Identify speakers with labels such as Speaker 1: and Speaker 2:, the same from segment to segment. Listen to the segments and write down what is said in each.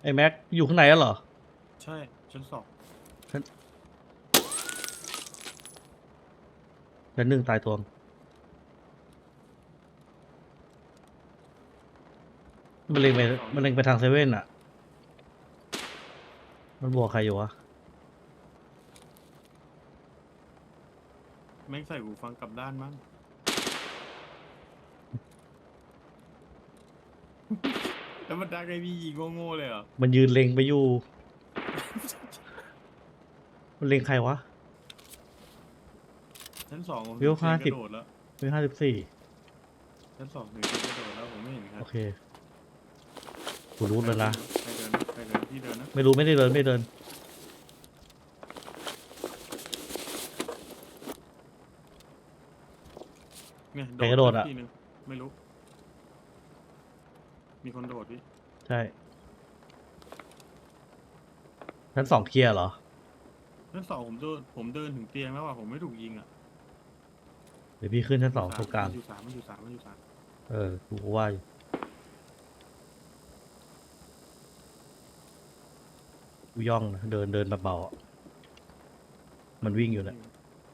Speaker 1: ไอ้แม็กอยู่ข้างในแล้วเหรอ
Speaker 2: ใช่ชั้นสอง
Speaker 1: ชั้นหนึ่งตายตัวมันเล็งไปมันเล็งไปทางเซเว่นอ่ะมันบวกใครอยู่วะ
Speaker 2: แม่งใส่หูฟังกลับด้านมั้ง แล้วมันดักไอ้พี่ยิงโง่ๆเลยเหรอ
Speaker 1: มันยืนเล็งไปอยู่ มันเล็งใครวะ
Speaker 2: ชั้นสองผม
Speaker 1: วิว
Speaker 2: เสียงกระ
Speaker 1: 50
Speaker 2: โดดแล้ว
Speaker 1: เป็น54
Speaker 2: ชั้นสองถึงเสียงกระโดดแล้วผมไม่เห็นครั
Speaker 1: โอบ เคกูรู้แล้วนะ
Speaker 2: ใครเดินพี่เดินนะ
Speaker 1: ไม่รู้ไม่ได้เดินไม่เดิน
Speaker 2: เนี่ย
Speaker 1: ใครกระโดดอะ
Speaker 2: ทีนึงไม่รู้ มีคนโดดพี่
Speaker 1: ใช่ชั้นสองเคลียร์เหรอ
Speaker 2: ชั้นสองผมเดินถึงเตียงแล้วอ่ะผมไม่ถูกยิงอ่ะ
Speaker 1: เดี๋ยวพี่ขึ้นชั้นสองตรงกลาง
Speaker 2: มันอยู่สามมันอยู่สามมันอยู่สาม
Speaker 1: กูว่าอยู่กูย่องนะเดินเบาๆอะมันวิ่งอยู่นะ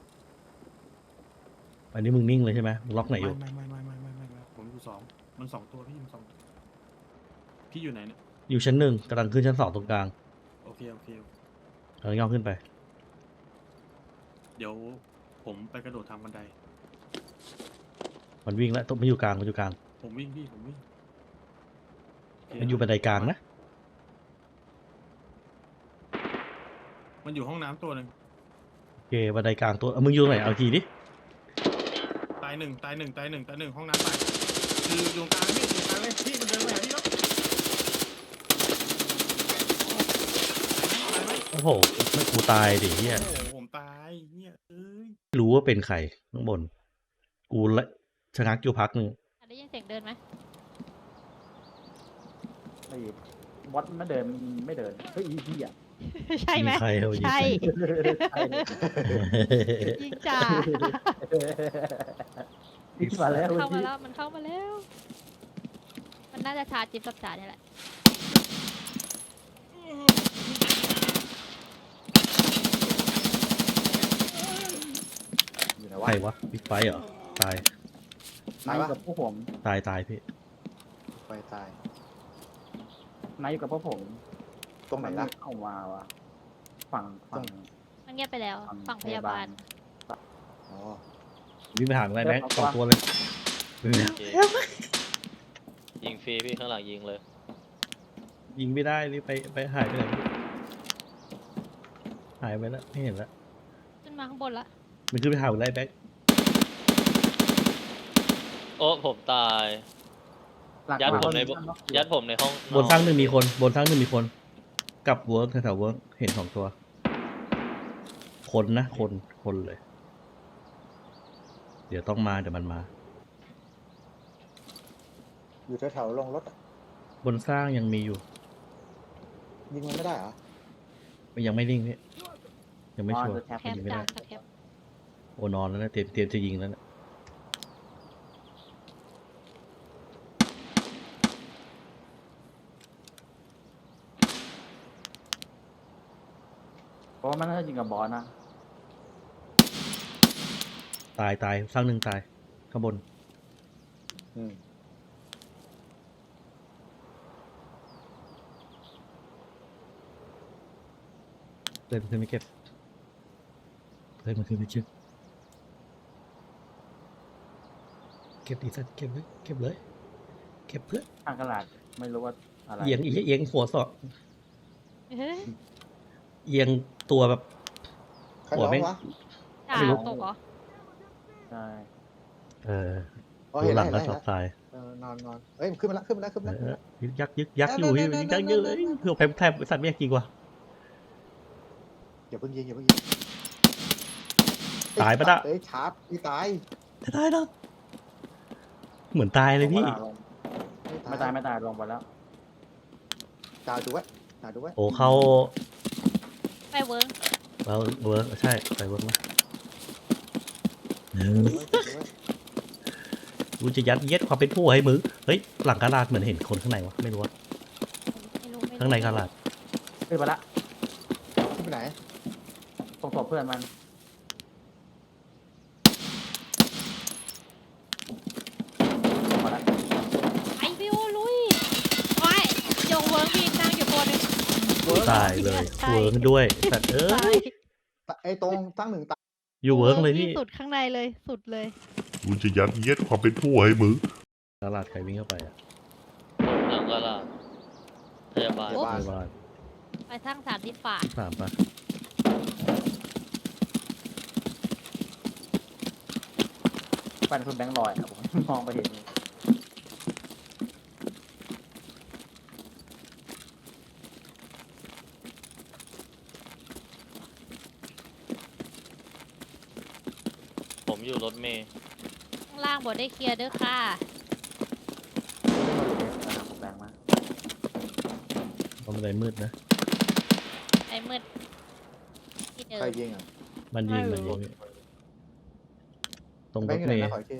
Speaker 1: อันนี้มึงนิ่งเลยใช่ไหมมึงล็อกไหนอยู่
Speaker 2: ไม่ผมอยู่สองมันสองตัวพี่มันสองตัวพี่อยู่ไหนเนี่ย
Speaker 1: อยู่ชั้นหนึ่งกำลังขึ้นชั้นสองตรงกลาง
Speaker 2: โอเคโอเค
Speaker 1: กำลังย่องขึ้นไป
Speaker 2: เดี๋ยวผมไปกระโดดทางบันได
Speaker 1: มันวิ่งแล้วมันอยู่กลางมันอยู่กลาง
Speaker 2: ผมวิ่งพี่ผมวิ่งโเค
Speaker 1: มันอยู่บันไดกลางนะ
Speaker 2: มันอยู่ห้องน้ำตัวหนึ่ง
Speaker 1: โอเคบันไดกลางตัวมึงอยู่ตรงไหนเอาทีดิ
Speaker 2: ตายหนึ่งห้องน้ำตายคืออยู่ตรงกลางพี่อยู่กลางเลยพี่มันเดินมาหาพี่แล้วตายไหม
Speaker 1: โอ้โหไม่กูตายดิเฮีย
Speaker 2: โอ้โหผมตายเนี่ยเอ้ย
Speaker 1: รู้ว่าเป็นใครข้างบน กูละชะงักอยู่พักหนึ่ง
Speaker 3: ได้ยินเสียงเดินไหม
Speaker 4: ไอ้บอสมันเดินไม่เดินเฮ้ยอีเหี้ย
Speaker 3: ใช่ไหม
Speaker 1: ยิงใครเอายิง
Speaker 3: ใช่
Speaker 1: ใคร
Speaker 3: ยิงจ่า
Speaker 4: อีมาแล้ว
Speaker 3: เข้ามาแล้วมันเข้ามาแล้ว มันน่าจะชาร์จจิ๊บกับจ่าเนี่ยแหละ
Speaker 4: อยู่ไหน
Speaker 1: ใคร
Speaker 4: วะ
Speaker 1: วะบิ๊กไฟเหรอตาย
Speaker 4: นายอยู่กับพวกผม
Speaker 1: ตายพี่
Speaker 5: ไปตาย
Speaker 4: นายอยู่กับพวกผม
Speaker 5: ตรงไหนล่ะ
Speaker 4: เข้ามาวะฝั่ง
Speaker 3: มันเงียบไปแล้ว ฝั่งพยาบาล
Speaker 5: อ๋อ
Speaker 1: วิ่งไปหาอะไรแม็กสองตัวเลยวิ่งไปหา
Speaker 6: ยิงฟรีพี่ข้างหลังยิงเลย
Speaker 1: ยิงไม่ได้นี่ไปหายไปไหนหายไปแล้วไม่เห็นแล้ว
Speaker 3: ขึ้นมาข้างบนละ
Speaker 1: มันขึ้นไปหาอะไรแบ็ค
Speaker 6: โอ้ผมตาย
Speaker 4: หลัก
Speaker 6: ยัดผมใน
Speaker 4: บ้าน
Speaker 6: ยัดผมในห้อง
Speaker 1: บนสร้างหนึ่งมีคนบนสร้างหนึ่งมีคนกับเวิร์กแถวๆเวิร์กเห็นสองตัว คนนะคนเลย เดี๋ยวต้องมาเดี๋ยวมันมา
Speaker 5: อยู่แถวๆลงรถอะ
Speaker 1: บนสร้างยังมีอยู่
Speaker 5: ยิงมันไม่ได้เหรอ
Speaker 1: มันยังไม่นิ่งพี่ยังไม่
Speaker 4: อ๋อ
Speaker 1: ชัวร์
Speaker 4: จะแท็บ
Speaker 3: แค
Speaker 1: มัน
Speaker 3: ป
Speaker 1: ยิงไม่
Speaker 3: จ่า
Speaker 1: ได้
Speaker 3: แคป
Speaker 1: โอนอนแล้วนะเตรียมจะยิงแล้วนะ
Speaker 4: เพราะว่ามันน่าจะยิงกับบอสนะ
Speaker 1: ตายสร้างหนึ่งตายข้างบน
Speaker 5: อืม
Speaker 1: เลยมันขึ้นไม่เก็บเลยมันขึ้นไม่เก็บเก็บดีสัตว์เก็บเลยเก็บเลยเก็บเพื่อ
Speaker 4: ข้างกระดาษไม่รู้ว่าอะไร
Speaker 1: เอียงหัวสอด
Speaker 3: เฮ้ย
Speaker 1: เอียงตัวแบบ
Speaker 5: ใคร
Speaker 1: หัว
Speaker 5: ร้อ
Speaker 1: แม่
Speaker 5: ง
Speaker 1: ง
Speaker 5: วะ
Speaker 3: จ่า
Speaker 1: ไม่รู้
Speaker 3: ตกเหรอ
Speaker 4: ใช่
Speaker 5: อ๋อ
Speaker 1: ดู
Speaker 5: เห็น
Speaker 1: ห
Speaker 5: แล้
Speaker 1: ลั
Speaker 5: ว
Speaker 1: ง
Speaker 5: เห็น
Speaker 1: ก็
Speaker 5: แล้ว
Speaker 1: ชอบตาย
Speaker 5: นอนเอ้ยขึ้นมาแล้วขึ้นมาแล้ว
Speaker 1: ยักษ์อยู่พี่ยักษ์เยอะเลยเพื่อแทบสัตว์ไม่อยากกินกว่า
Speaker 5: อย่าเพิ่งยิง
Speaker 1: ตายปะน่ะ
Speaker 5: เอ้ยชาร์จพี่ตาย
Speaker 1: จะตายแล้วเหมือนตายเลยพี่
Speaker 4: ไม่ตายลงไปแล้ว
Speaker 5: จ่าดูไว้
Speaker 1: โอ้เข้า
Speaker 3: ไปเวิร์ก
Speaker 1: แล้วเวิร์กใช่ไปเวิร์กนะ
Speaker 5: ดูไว้
Speaker 1: กูจะยัดเยียดความเป็นผู้ให้มึงเฮ้ยหลังกระดาษเหมือนเห็นคนข้างในวะไม่รู้ว่า
Speaker 3: ไม่รู้
Speaker 1: ข้างในกาลาด
Speaker 4: ขึ้นมาละ
Speaker 5: ขึ้นไปไหน
Speaker 4: ส่งศพเพื่อนมันมาละ
Speaker 3: ไอพี่โอลุยโอ้ยยงเวิร์กมีนั่งอยู่ตัวหนึง
Speaker 1: ตายเลย
Speaker 3: ใช่
Speaker 1: เวิร์กด้วยสัตว์เอ้
Speaker 3: ตาย
Speaker 1: ย
Speaker 5: ไอ้ตรงตั้งหนึ่งตาย
Speaker 1: อยู่เวิร์กเลยพี่
Speaker 3: ที่สุดข้างในเลยสุดเลย
Speaker 7: กูจะยัดเยียดความเป็นผู้ให้มึง
Speaker 1: กาลาดใครวิ่งเข้าไปอ่ะ
Speaker 6: ผมหลังก็ล่ะพยาบาล
Speaker 5: โอ้
Speaker 1: ในบ้าน
Speaker 3: ไปทั้งสามที่ฝา
Speaker 1: ที่สามปะ
Speaker 4: ฟันคุณแบงค์ลอยอะผมมองไปเห็น
Speaker 6: ผมอยู่รถเมย์
Speaker 3: ข้างล่างบดได้เคลียร์เด้อค่ะ
Speaker 4: ผมแบงค์มา
Speaker 1: ตรงบันไดมืดนะ
Speaker 3: ไอ้มืดที่เดิ
Speaker 5: ใคร
Speaker 3: ม
Speaker 5: ยิงอ่ะ
Speaker 1: มันยิง
Speaker 3: ไม่
Speaker 1: มัน
Speaker 3: รู้
Speaker 1: ยิงตรง
Speaker 5: แบ
Speaker 1: รง
Speaker 5: ค์
Speaker 1: ถ
Speaker 5: อยู่ไหน
Speaker 1: เมย์
Speaker 5: นะขออีกที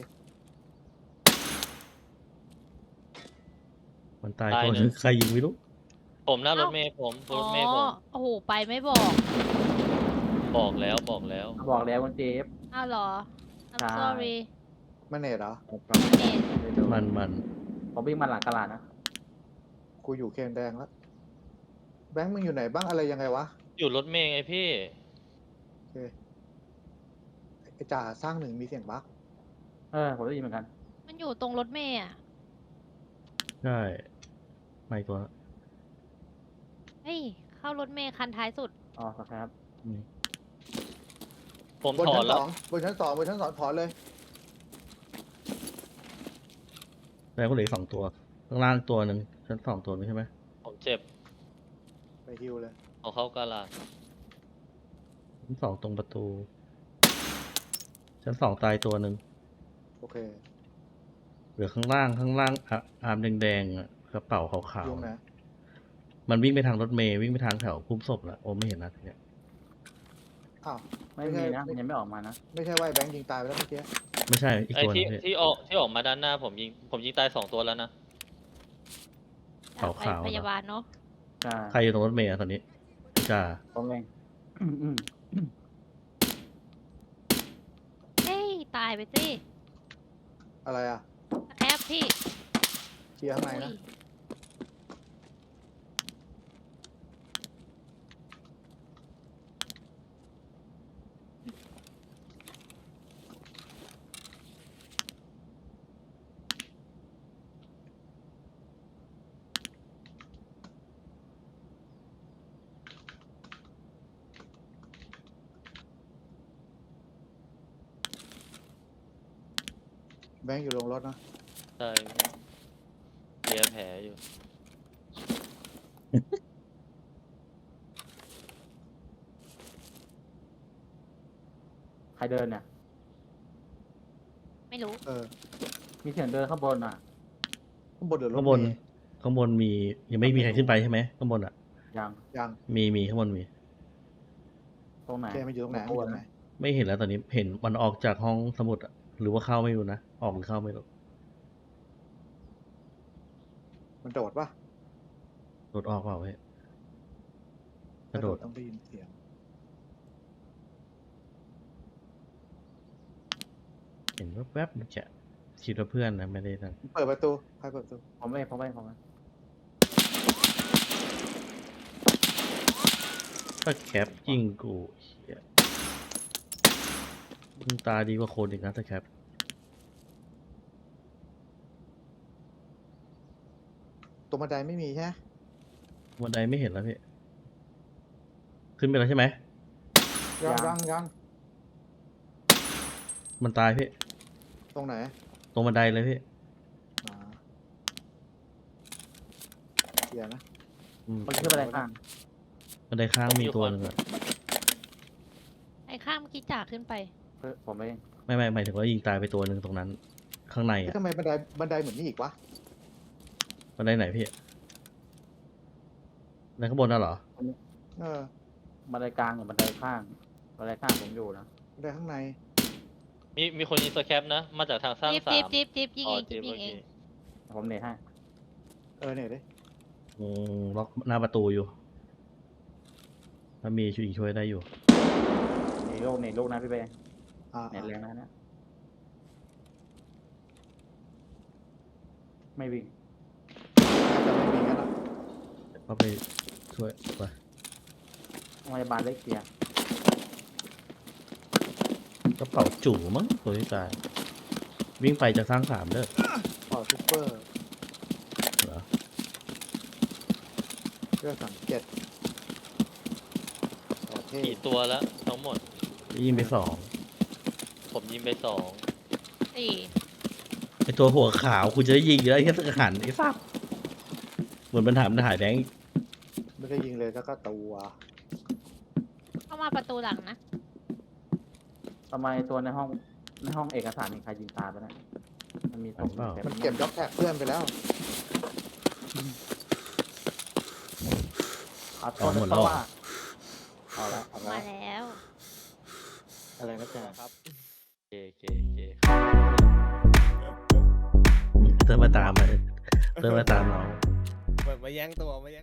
Speaker 1: มันตายตัวนึงใครยิงไม่รู้
Speaker 6: ผมหน้ารถเมย์ผม
Speaker 3: อ๋
Speaker 6: ร
Speaker 3: อ
Speaker 6: ถเมย์ผม
Speaker 3: โอ้โหไปไม่บอก
Speaker 6: บอกแล้วบอกแล้ว
Speaker 4: บอกแล้วคุณเจฟ
Speaker 3: อ้าวเหรอ I'm
Speaker 4: ใช่
Speaker 3: sorry
Speaker 5: มันเนตเหรอ
Speaker 3: เน็ต
Speaker 1: มัน
Speaker 4: ผมวิ่งมาหลังกระลาดนะ
Speaker 5: กูอยู่เคนแดงแล้วแบงค์มึงอยู่ไหนบ้างอะไรยังไงวะ
Speaker 6: อยู่รถเมย์ไงพี่
Speaker 5: โอเคไอ้จ่าสร้างหนึ่งมีเสียงบั๊ก
Speaker 4: ผมได้ยินเหมือนกัน
Speaker 3: มันอยู่ตรงรถเมย์อ่ะ
Speaker 1: ใช่ไม่ตัว
Speaker 3: เฮ้ย เข้ารถเมย์คันท้ายสุด
Speaker 4: อ๋อครับ
Speaker 1: นี่
Speaker 6: ผม
Speaker 5: บน
Speaker 6: ถอ
Speaker 5: ชั้
Speaker 6: น
Speaker 5: น
Speaker 6: แล้
Speaker 5: ส
Speaker 6: ว
Speaker 5: องบนชั้นสองบนชั้นสองถอนเลย
Speaker 1: แล้วก็เหลืออกสองตัว ข้างล่างตัวหนึ่งชั้นสองตัวนึงใช่ไหม
Speaker 6: ผมเจ็บ
Speaker 5: ไปฮิวเลย
Speaker 6: เอาเข้ากาลาด
Speaker 1: ชั้นสองตรงประตู ชั้นสองตายตัวหนึ่ง
Speaker 5: โอเค
Speaker 1: เหลือข้างล่างอาร์มแดงๆอะกระเป๋าขาว
Speaker 5: ยุงนะ
Speaker 1: ๆมันวิ่งไปทางรถเมย์วิ่งไปทางแถวคุ้มศพแล้วโอ้ไม่เห็นนะทีเนี้ย
Speaker 5: อ้าว
Speaker 4: ไม่มีนะมันยังไม่ออกมานะ
Speaker 5: ไม่ใช่ว่าไอ้แบงค์ยิงตายไปแล้วเมื่อกี้
Speaker 1: ไม่ใช่อีก
Speaker 6: ไอ้
Speaker 1: ตัวหนึ
Speaker 6: ที่
Speaker 1: งพี่
Speaker 6: ที่ออกมาด้านหน้าผมยิงตาย2 ตัวแล้วนะ
Speaker 1: ขาวๆ
Speaker 3: ไปพยาบาลเนาะ
Speaker 4: ใช่
Speaker 1: ใครอยู่ตรงรถเมย์อะตอนนี้จ้า
Speaker 4: ผมเอง
Speaker 3: เฮ้ย ตายไปสิ
Speaker 5: อะไรอ่ะ
Speaker 3: แคปพี่
Speaker 5: เคลียร์ข้างในนะ
Speaker 3: อุ้ย
Speaker 5: แบงค์อยู่ลงรถนะ
Speaker 6: ใช่เลียแผลอยู่
Speaker 4: ใครเดินเนี่ย
Speaker 3: ไม่รู้
Speaker 5: เออ
Speaker 4: มีเสียงเดินข้างบนอ่ะ
Speaker 5: ข้างบนเดือดรถ
Speaker 1: ข้างบน
Speaker 5: เมล์
Speaker 1: ข้างบนมียังไม่มีใครขึ้นไปใช่ไหมข้างบนอ่ะ
Speaker 4: ยัง
Speaker 5: ยัง
Speaker 1: มีข้างบนมี
Speaker 4: ตรงไหน
Speaker 5: แกมันอยู่ตรงไหนมันอยู่ตรงไหน
Speaker 1: ไม่เห็นแล้วตอนนี้เห็นมันออกจากห้องสมุดอะหรือว่าเข้าไม่รู้นะออกหรือเข้าไม่รู้
Speaker 5: มันโดดปะ
Speaker 1: โดดออกเปล่าเว้ยกระโดด
Speaker 5: ต้องได้ยินเสียง
Speaker 1: เห็นแวบๆมันจะคิดว่าเพื่อนนะไม่ได้นั่น
Speaker 5: เปิดประตูใครเปิดประตู
Speaker 4: ผมเองผมเอง
Speaker 1: ก็แคปยิงกูเหี้ยมึงตาดีกว่าคนอีกนะถ้าแคป
Speaker 5: ตรงบันไดไม่มีใช่ไหม
Speaker 1: บันไดไม่เห็นแล้วพี่ขึ้นไปแล้วใช่ไหม
Speaker 5: ยัง
Speaker 1: มันตายพี่
Speaker 5: ตรงไหน
Speaker 1: ตรงบันไดเลยพี่
Speaker 5: อ่าเคลียร์นะ
Speaker 1: อืม
Speaker 4: มันขึ้นไปอะไรข้าง
Speaker 1: บันไดข้างมีตัวหนึงอะ
Speaker 3: ไอ้ข้ามเมื่อกี้จ่าขึ้นไป
Speaker 4: ผมเอง
Speaker 1: ไม่หมายถึงว่ายิงตายไปตัวหนึ่งตรงนั้น ข้างใน
Speaker 5: เอ๊ะ
Speaker 1: อะ
Speaker 5: ทำไมบันไดเหมือนนี่อีกวะ
Speaker 1: บันไดไหนพี่ในข้างบนน่ะเหรอ
Speaker 5: เออ
Speaker 4: บันไดกลางกับบันไดข้างบันไดข้างผมอยู่นะ
Speaker 5: บันไดข้างใน
Speaker 6: มีคนยิงสแคปนะ มาจากทางสร้าง
Speaker 3: จิ๊บ
Speaker 6: สา
Speaker 3: จิ๊บ
Speaker 6: ม
Speaker 3: จิ๊บจิ๊บยิง
Speaker 6: อ๋อ
Speaker 3: เองจิ๊บยิงเอง
Speaker 4: ผมเนทให้
Speaker 5: เออเนี่ยดิ
Speaker 1: ล็อกหน้าประตูอยู่ ถ้ามีช่วยได้อยู่
Speaker 4: ในโลกนะพี่เบย์
Speaker 5: อ่า
Speaker 4: เน็ตแรงนะไม่วิ่ง
Speaker 5: จะไม่มีงั้นอ่ะ
Speaker 1: ก็ไปช่วยไป
Speaker 4: โรงพยาบาลเล็กเกียร์
Speaker 1: กระเป๋าจู่มั้งตัวที่ตาย วิ่งไปจะสร้าง3เด้อ
Speaker 5: เป่าซุปเปอร์
Speaker 1: เหรอ
Speaker 5: เพื่อสังเกตโอเค
Speaker 6: กี่ตัวแล้วทั้งหมด
Speaker 1: ยิงไป
Speaker 6: ผมยิงไป2
Speaker 3: สี่
Speaker 1: 2ไอตัวหัวขาวคุณจะได้ยิงอยู่แล้วไอ้แค่หันไอ้ซับเหมือนมันถามถ่ายแบงค์
Speaker 5: ไม่ได้ยิงเลยแล้วก็ตัว
Speaker 3: เข้ามาประตูหลังนะ
Speaker 4: ทำไมตัวในห้องเอกสารมีใครยิงตายไปนะมันมีส่ง
Speaker 5: มันเก็บด็อกแท็กเพื่อนไปแล้ว
Speaker 4: เอา
Speaker 1: อ๋อหมดแล้วเหรอ
Speaker 5: เอาละเอา
Speaker 3: มา
Speaker 5: ละ
Speaker 3: แล้ว
Speaker 5: อะไรนะจ๊ะ
Speaker 6: ครับเค
Speaker 1: เธอมาตามเรา
Speaker 8: มาแย่งตัว